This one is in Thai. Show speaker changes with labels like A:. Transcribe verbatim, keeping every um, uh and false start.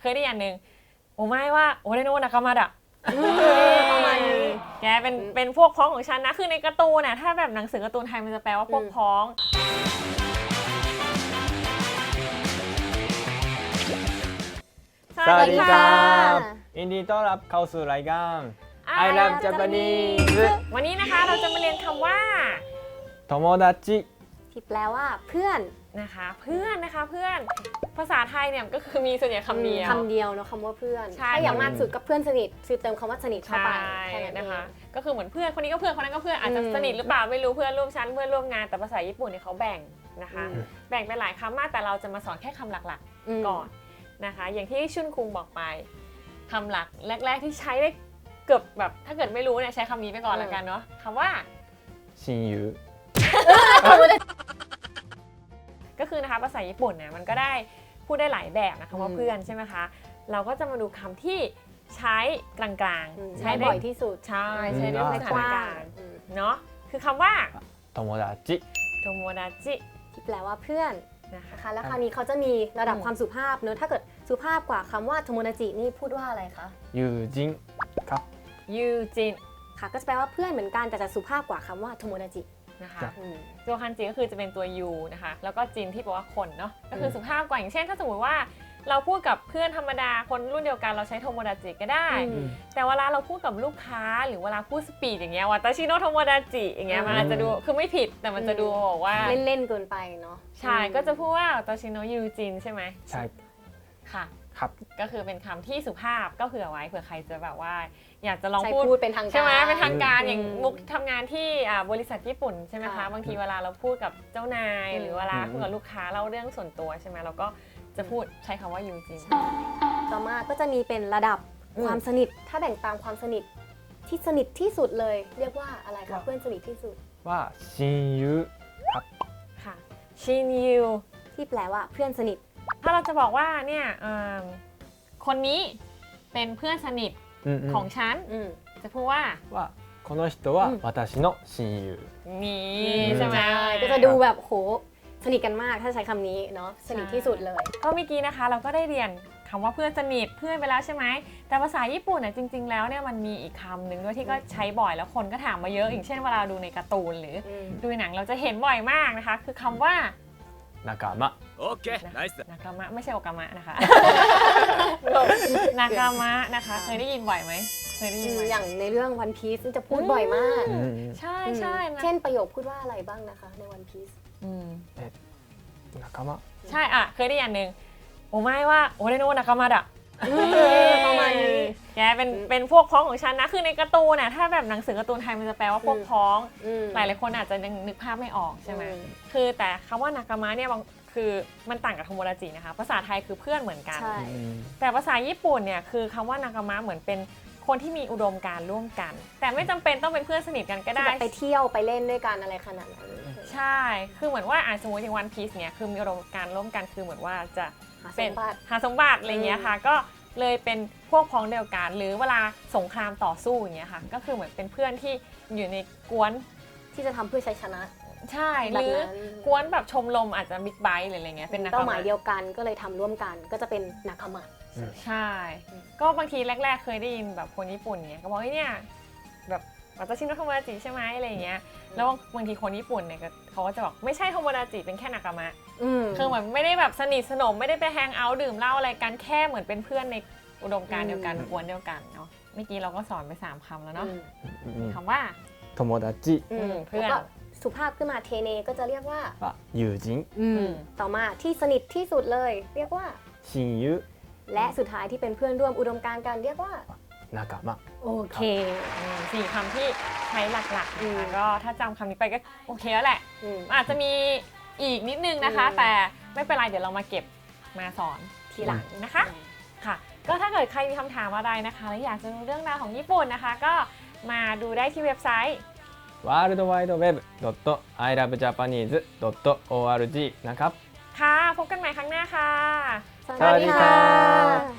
A: ยได้อย่างหนึ่งโอไม่ว่าโอเรโนะนากามาดะ
B: ประมาณนี้
A: แกเป็นเป็นพวกพ้องของฉันนะคือในการ์ตูนน่ะถ้าแบบหนังสือการ์ตูนไทยมันจะแปลว่าพวกพ้อง
C: สวัสดีครับยินดีต้อนรับเข้าสู่รายการ I Love Japanese
A: วันนี้นะคะเราจะมาเรียนคำว่า
C: โทโมดาจิ
B: ที่แปลว่าเพื่อน
A: นะคะเพื่อนนะคะเพื่อนภาษาไทยเนี่ยก็คือมีส่วนใหญ่คำเดียว
B: คำเดียวเนาะคำว่าเพื่อน
A: ใช่
B: ถ้าอย่างมากสุดก็เพื่อนสนิทคือเติมคำว่าสนิทเข้าไป
A: ใช่นะคะก็คือเหมือนเพื่อนคนนี้ก็เพื่อนคนนั้นก็เพื่อนอาจจะสนิทหรือเปล่าไม่รู้เพื่อนร่วมชั้นเพื่อนร่วมงานแต่ภาษาญี่ปุ่นเนี่ยเขาแบ่งนะคะแบ่งเป็นหลายคำมากแต่เราจะมาสอนแค่คำหลักๆก่อนนะคะอย่างที่ชุนคุงบอกไปคำหลักแรกๆที่ใช้ได้เกือบแบบถ้าเกิดไม่รู้เนี่ยใช้คำนี้ไปก่อนแล้วกันเนาะคำว่า
C: ชินยู
A: ก็คือนะคะภาษาญี่ปุ่นเนี่ยมันก็ได้พูดได้หลายแบบนะคะว่าเพื่อนใช่ไหมคะเราก็จะมาดูคำที่ใช้กลางๆ
B: ใช้บ่อยที่สุด
A: ใช่ใช้ในสถานการณ์เนาะคือคำว่า
C: โทโมดาจิ
A: โทโมดาจิ
B: ที่แปลว่าเพื่อนนะคะแล้วคราวนี้เขาจะมีระดับความสุภาพเนอะถ้าเกิดสุภาพกว่าคำว่าโทโมดาจินี่พูดว่าอะไรคะ
C: ยูจินครับ
A: ยูจิน
B: ค่ะก็จะแปลว่าเพื่อนเหมือนกันแต่จะสุภาพกว่าคำว่าโทโมดาจิ
A: นะคะตัวคันจิก็คือจะเป็นตัวยูนะคะแล้วก็จินที่แปลว่าคนเนาะก็คือสุภาพกว่าอย่างเช่นถ้าสมมติว่าเราพูดกับเพื่อนธรรมดาคนรุ่นเดียวกันเราใช้โทโมดาจิก็ได้แต่เวลาเราพูดกับลูกค้าหรือเวลาพูดสปีดอย่างเงี้ยวาตาชิโนะโทโมดาจิอย่างเงี้ยมันอาจจะดูคือไม่ผิดแต่มันจะดูบอกว่า
B: เล่นๆเกินไปเนาะ
A: ใช่ก็จะพูดว่าวาตาชิโนะยูจินใช่ไหม
C: ใช่
A: ค่ะ
C: ครับ
A: ก็คือเป็นคำที่สุภาพก็เผื่อไว้เผื่อใครจะแบบว่าอยากจะลอง
B: พูดเป็นทางการ
A: ใช่ไหมเป็นทางการอย่างมุกทำงานที่บริษัทญี่ปุ่นใช่ไหมคะบางทีเวลาเราพูดกับเจ้านายหรือเวลาพูดกับลูกค้าเล่าเรื่องส่วนตัวใช่ไหมเราก็จะพูดใช้คำว่ายูจิน
B: ต่อมาก็จะมีเป็นระดับความสนิทถ้าแบ่งตามความสนิทที่สนิทที่สุดเลยเรียกว่าอะไรคะเพื่อนสนิทที่สุด
C: ว่าชินยูครับ
A: ค่ะชินยู
B: ที่แปลว่าเพื่อนสนิท
A: ถ้าเราจะบอกว่าเนี่ยคนนี้เป็นเพื่อนสนิทของฉันจะพูดว่า
C: ว่าこの人は私の親友
A: นี่ใช่ไหม
B: ก็จะดูแบบโหสนิทกันมากถ้าใช้คำนี้เนาะสนิทที่สุดเลย
A: ก็เมื่อกี้นะคะเราก็ได้เรียนคำว่าเพื่อนสนิทเพื่อนไปแล้วใช่ไหมแต่ภาษาญี่ปุ่นเนี่ยจริงๆแล้วเนี่ยมันมีอีกคำหนึ่งด้วยที่ก็ใช้บ่อยแล้วคนก็ถามมาเยอะอย่างเช่นเวลาดูในการ์ตูนหรือดูหนังเราจะเห็นบ่อยมากนะคะคือคำว่าน
C: ากามะ
D: โอเคไนส์
A: นากามะไม่ใช่โอกามะนะคะนากามะนะคะเคยได้ยินบ่อยไหมเคยได้ยิน
B: อย่างในเรื่อง One Piece จะพูดบ่อยมาก
A: ใช่ใช่
B: เช่นประโยคพูดว่าอะไรบ้างนะคะใน One Piece
C: นากามะ
A: ใช่อ่ะเคยได้อย่างหนึ่งโอไม่ว่าโอเรโนะนากามาดะ
B: ประมาณนี้
A: แกเป็นเป็นพวกพ้องของฉันนะคือในการ์ตูนน่ะถ้าแบบหนังสือการ์ตูนไทยมันจะแปลว่าพวกพ้องหลายหลายคนอาจจะยังนึกภาพไม่ออกใช่ไหมคือแต่คำว่านากามะเนี่ยคือมันต่างกับโทโมดาจินะคะภาษาไทยคือเพื่อนเหมือนกันแต่ภาษาญี่ปุ่นเนี่ยคือคำว่านากามะเหมือนเป็นคนที่มีอุดมการณ์ร่วมกันแต่ไม่จำเป็นต้องเป็นเพื่อนสนิทกันก็ได้
B: ไปเที่ยวไปเล่นด้วยกันอะไรขนาดนั้น
A: ใช่คือเหมือนว่าสมมติอย่างวันพีซเนี่ยคือมีอุดมการณ์ร่วมกันคือเหมือนว่าจะเป็นหาสมบัติอะไรเงี้ยค่ะก็เลยเป็นพวกพ้องเดียวกันหรือเวลาสงครามต่อสู้อย่างเงี้ยค่ะก็คือเหมือนเป็นเพื่อนที่อยู่ในกวน
B: ที่จะทำเพื่อชัยชนะ
A: ใช่หรือกวนแบบชมรมอาจจะบิ๊กไบค์หรืออะไรเงี้ยเป็น
B: เป้าหมายเดียวกันก็เลยทำร่วมกันก็จะเป็นนากามะ
A: ใช่ก็บางทีแรกๆเคยได้ยินแบบคนญี่ปุ่นเนี่ยก็บอกว่าเนี่ยแบบวาตาชิโนะโทโมดาจิใช่ไหมอะไรอย่างเงี้ยแล้วบางทีคนญี่ปุ่นเนี่ยเขาก็จะบอกไม่ใช่โทโมดาจิเป็นแค่นากามะคือเหมือนไม่ได้แบบสนิทสนมไม่ได้ไปแฮงเอาท์ดื่มเหล้าอะไรกันแค่เหมือนเป็นเพื่อนในอุดมการณ์เดียวกันกวนเดียวกันเนาะเมื่อกี้เราก็สอนไปสามคำแล้วเนาะคำว่า
C: โทโมดาจิ
A: เพื่อน
B: สุภาพขึ้นมาเทเนก็จะเรียกว่า
C: ยูจิน
B: ต่อมาที่สนิทที่สุดเลยเรียกว่า
C: ชินยู
B: และสุดท้ายที่เป็นเพื่อนร่วมอุดมการณ์กันเรียกว่าน
C: ากามะ
B: โอเค
A: สี่คำที่ใช้หลักๆนะคะก็ถ้าจำคำนี้ไปก็โอเคแล้วแหละอาจจะมีอีกนิดนึงนะคะแต่ไม่เป็นไรเดี๋ยวเรามาเก็บมาสอนทีหลังนะคะค่ะก็ถ้าเกิดใครมีคำถามอะไรนะคะและอยากจะรู้เรื่องราวของญี่ปุ่นนะคะก็มาดูได้ที่เว็บไซต์
C: วอร์ลด์ไวด์เว็บ ดอท ไอ ลัฟ จาปานีส ดอท โอ อาร์ จี นะครับ
A: ค่ะพบกันใหม่ครั้งหน้าค่ะ
B: สวัสดีค่ะ